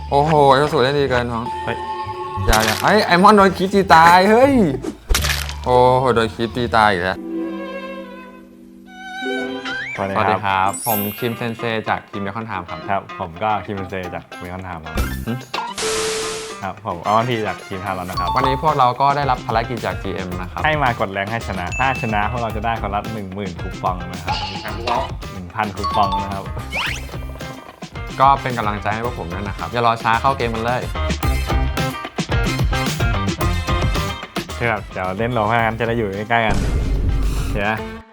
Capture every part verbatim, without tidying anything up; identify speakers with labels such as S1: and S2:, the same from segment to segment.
S1: โอ้โหไอ้สูตรได้ดีเกินน้องเฮ้ยอย่าอย่าไอ้ไอมอนโดนคิดตีตายเฮ้ยโอ้โหโดนคิดตีตายอีกแล้ว
S2: สวัสดีครับผมคิมเซนเซจากคิมเบคอนไทม์ครับครับผมก็คิมเซนเซจากเบคอนไทม์ครับครับผมออนทีจากทีมไทม์แล้วนะครับ
S1: วันนี้พวกเราก็ได้รับภารกิจจาก จี เอ็ม นะครับ
S2: ให้มากดแรงให้ชนะถ้าชนะพวกเราจะได้คนละหนึ่งหมื่นคูปองนะครับหนึ่งพันคูปองนะครับ
S1: ก็เป็นกำลังใจให้พวกผมด้วยนะครับอย่ารอช้าเข้าเกมมันเลย
S2: ครับเดี๋ยวเล่นโลห้ากันจะได้อยู่ใกล้ๆกันเห็นไหม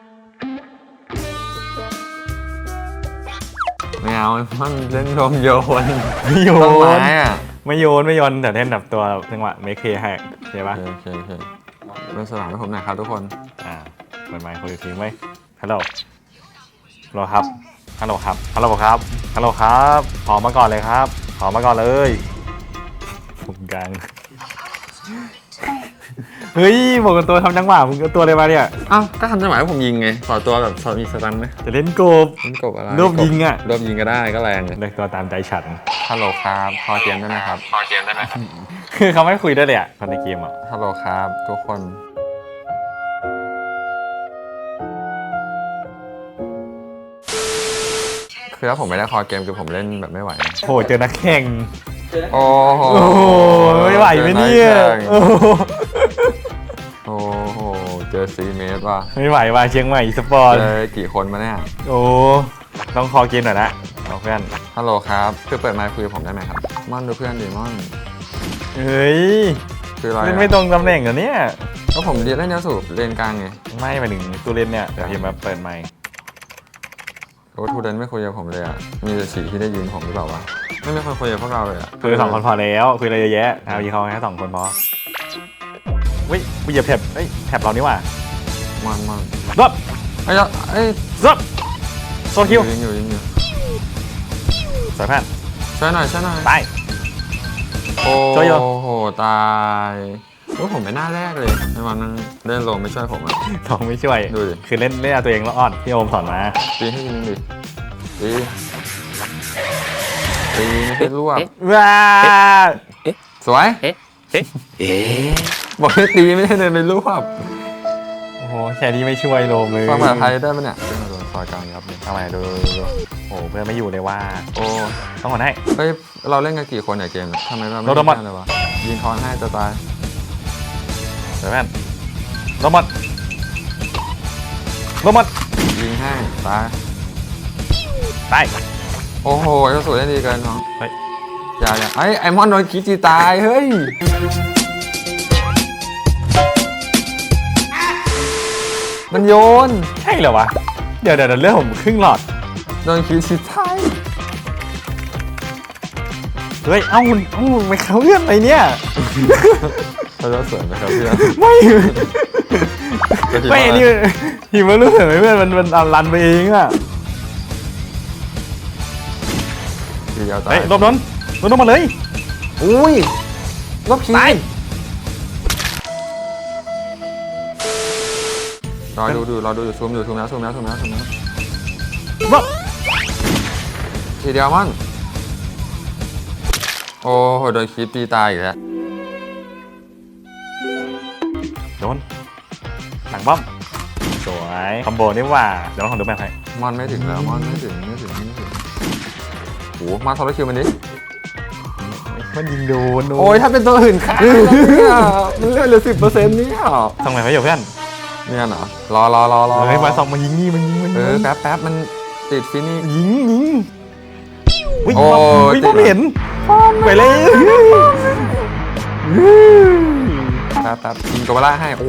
S1: ไม่เอามันเล่นโดมโยน
S2: ไม่โยน
S1: ต้นไม้อะ
S2: ไม่โยนไม่โยนแต่เล่นแบบตัวจังหวะเมคเคให้ใช่ปะ
S1: โอเคโอเคเล่นสนามให้ผมหน่อยครับทุกคน
S2: อ่าเปิดไมค์คุยกับทีมไว้ฮัลโหลฮัลโหลครับฮัลโหลครับฮัลโหลครับฮัลโหลครับขอมาก่อนเลยครับขอมาก่อนเลยผมกลางเฮ้ยบอกกันตัวทำจังหวะมึงเอาตัวอะไรมาเนี่ย
S1: อ้าวก็ทำจังหวะให้ผมยิงไงขอตัวแบบมีสตันไหม
S2: จะเล่นกบ
S1: เล่นกบอะไร
S2: รวบยิงอ่ะ
S1: รวบยิงก็ได้ก็แรง
S2: เลือกตัวตามใจฉัน
S1: ฮัลโหลครับพอเกมได้ไหมครับ
S2: พอเกมได้ไหมคือเขาไม่คุยได้เลยอ่ะตอนในเกมอ่ะ
S1: ฮัลโหลครับทุกคนคือถ้าผมไม่ได้คอเกมคือผมเล่นแบบไม่ไหว
S2: โหเจอนักแข่ง
S1: โอ้โห
S2: ไม่ไหวไหมเนี่ย
S1: โอ้โหเจอซีเมตรว่ะ
S2: ไม่ไหวว่ะเชียงใหม่สปอร์ต
S1: เจอกี่คนมาเนี่ย
S2: โอ้ต้องคอเกมหน่อยนะเอาเพื่อน
S1: ฮัลโหลครับคือเปิดไมค์คุยกับผมได้ไหมครับม่อนดูเพื่อนดิม่อน
S2: เฮ้ย
S1: คืออะไร
S2: เล่นไม่ตรงตำแหน่งเหรอเนี่ย
S1: ก็ผมเรียนเล่นแนวสูบเลนกลางไง
S2: ไม่หมายถึงตัวเล่นเนี่ยเดี๋ยวพิมพ์มาเปิดไมค์
S1: โอ้ทูเดนไม่คุยกับผมเลยอ่ะมีแต่ฉี่ที่ได้ยินผมหรือเปล่าวะไม่มีคนคุยกับพวกเราเลยอ่ะ
S2: คุยสองคนพอแล้วคุยอะไรเยอะแยะเอายีเขาแค่สองคนพอเฮ้ยกูเหยียบแถบเฮ้ยแถบเรานี่ว่ะ
S1: มันมัน
S2: รับ
S1: ไอ้ยไอ้
S2: รับโซคิว
S1: ยิงอยู่ยิงอยู่
S2: สายแพทย์
S1: ช่วยหน่อยช่วยหน่อย
S2: ตาย
S1: โอ้โหตายโอ้ผมไม่น่าแรกเลยในวันนั้นเล่นโลไม่ช่วยผมอ่ะ
S2: ทองไม่ช่วย
S1: ดูดิ
S2: คือเล่นเล่นเอาตัวเองแล้วอ่อนที่โอมสอนมา
S1: ตีให้ยิงดิตีตีไม่ให้รวบ
S2: ว้า
S1: สวยบอกให้ตีไม่ให้เดินไปรวบ
S2: โอ้โหแค่นี้ไม่ช่วยโลมเลย
S1: ฟังภาษาไทยได้ปะเนี่ยเป็นโดนซอยกลางครับ
S2: ทำไมดูโอ้เพื่อนไม่อยู่เลยว่า
S1: โอ้
S2: ต้องกดให้
S1: เฮ้ยเราเล่นกันกี่คนเนี่ยเกมทำไมเราไม่ได้เลยวะยิงทอนให้จะตาย
S2: เดี๋ยวแม่นลงมัดลงมัด
S1: ยิงให้ตาย
S2: ตาย
S1: โอ้โหไอ้สูตรได้ดีเกินน้อง
S2: เฮ้ย
S1: อย่าอย่าไอ้ไอมอนโดนคิดตีตายเฮ้ยมันโยน
S2: ใช่เหรอวะเดี๋ยวเดี๋ยวเรื่องผมครึ่งหลอด
S1: โดนคิดตีตาย
S2: เฮ้ยเอ้าเอ้าไม่เข้าเรื่องอะไรเนี่ย
S1: เขาจะเสริมไหมครับเพื่อน
S2: ไม่ไม่นี่ทีมันรู้สึกไหมเพื่อนมันมันรันไปเองอ่ะเฮ้ยลบนนลบนนมาเลย
S1: อุ้ยลบตายรอดูดูรอดูอยู่ซูมอยู่ซูมแล้วซูมแล้วซูมแล้วซูมแล้ว
S2: ลบ
S1: ทีเดียวมันโอ้โหโดนคิดตีตายอีกแล้ว
S2: โดนหลังบ้อมสวยคอมโบนี่ว่าเดี๋ยวลองดูแมพให้
S1: มอนไม่ถึงแล้วมอนไม่ถึงไม่ถึงไม่ถึงโอ้มาทอร์คิวมันดิ
S2: มันยิงโดน
S1: โอ้ยถ้าเป็นตัวอื่นค่ะเนี่ยมันเลือดเหลือสิบเปอร์เซ็นต์นี่หรอ
S2: ทำไมเขาอยู่เพื่อน
S1: เนี่ยเหรอรอรอรอรอ
S2: เฮ้ยมาสองมายิงนี่มันยิงมัน
S1: เออแป๊บแป๊บมันติดฟินี่
S2: ยิงยิง
S1: โอ้
S2: ยไม่เห็นไปเลย
S1: แป๊บแป๊บยิงกบล่าให้โอ้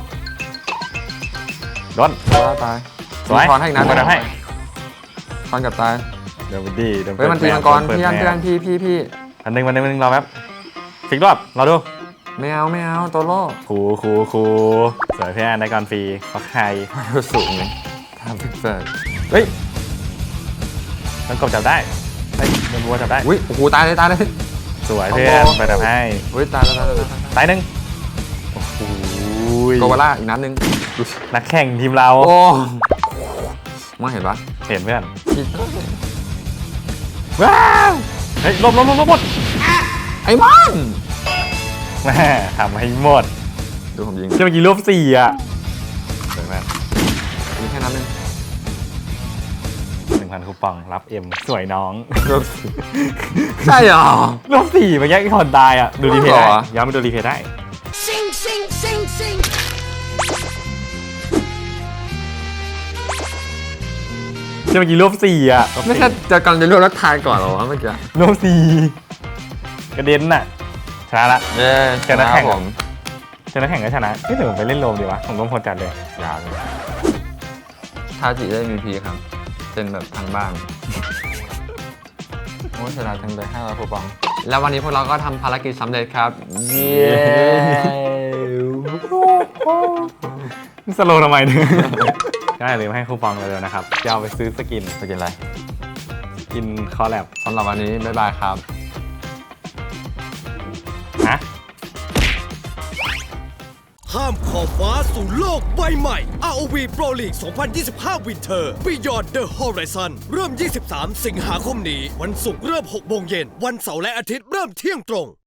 S2: โดน
S1: กบล่าตาย
S2: สวย
S1: ทอนให้อีกนัดนึง
S2: ให้
S1: ทอนกับตาย
S2: เดี๋ยวดีเดี๋ยว
S1: เฮ้ยมันตีมังกรพี่อันพี่อันพี่พี่พี่
S2: อันหนึ่งวันหนึ่งวันหนึ่งรอแป๊บฟิกรอบรอดู
S1: ไม่เอาไม่เอาตัวโล่
S2: ครูครูครูสวยพี่อันได้ก่อนฟรีเพราะใคร
S1: สูงเลยทำถึงเสิร์ฟ
S2: เฮ้ยมันกบจับได้เฮ้ยมันวัวจับได้
S1: อุ้ยโอ้โหตายเลยตายเลย
S2: สวยเพื่อนไปจับให้
S1: เฮ้ยตายแล้วตายแล้ว
S2: ตายหนึ่งโอ้โห
S1: โกวาล่าอีกนัดหนึ่ง
S2: นักแข่งทีมเรา
S1: โอ้มาเห็นปะ
S2: เห็นเพื่อนว้าวเฮ้ยลบลบลบลบหมด
S1: ไอ้มอน
S2: แม่ทำให้หมด
S1: ดูผมยิง
S2: เมื่อกี้รวบสี่อ่ะเดี๋ยวแม่
S1: ยิงแค่นั้นเอง
S2: หนึ่งพันคูปองรับเอ็มสวยน้อง
S1: รวบใช่เหรอ
S2: รวบสี่เมื่อกี้ไอ้คนตายอ่ะดูรีเพย์ได้
S1: เหรอ
S2: ย้อนไปดูรีเพย์ได้
S3: Sing, sing, sing, sing.
S2: เมื่อกี้รวบสี่อ่ะ
S1: ไม่ใช่จะกำลังจะรวบแล้วทายก่อนเหรอวะเมื่อกี้
S2: รวบสี่กระเด็นน่ะชนะละ
S1: เย้
S2: ชนะแข่ง
S1: ผม
S2: ชนะแข่งก็ชนะนี่ถึงผมไปเล่นโรมดีวะผมต้องพลจัดเลย
S1: ยาวเลยทาจิได้ เอ็ม วี พี ครับ เป็นแบบทางบ้าน โอ้ชนะทั้งเลยห้าร้อยคูปอง แล้ววันนี้พวกเราก็ทำภารกิจสำเร็จครับ เย้
S2: สโลว์ทำไมเนี่ย ก็อย่าลืมให้คูปองเลยนะครับจะเอาไปซื้อสกิน
S1: ไปกินอะไร
S2: สกินคอลแลบ
S1: สำหรับวันนี้ บ๊ายบายครับ
S2: ฮะ
S4: ข้ามขอบฟ้าสู่โลกใบใหม่ อาร์ โอ วี Pro League สองพันยี่สิบห้า Winter Beyond the Horizon เริ่ม ยี่สิบสาม สิงหาคมนี้ วันศุกร์เริ่ม หกโมงเย็น วันเสาร์และอาทิตย์เริ่มเที่ยงตรง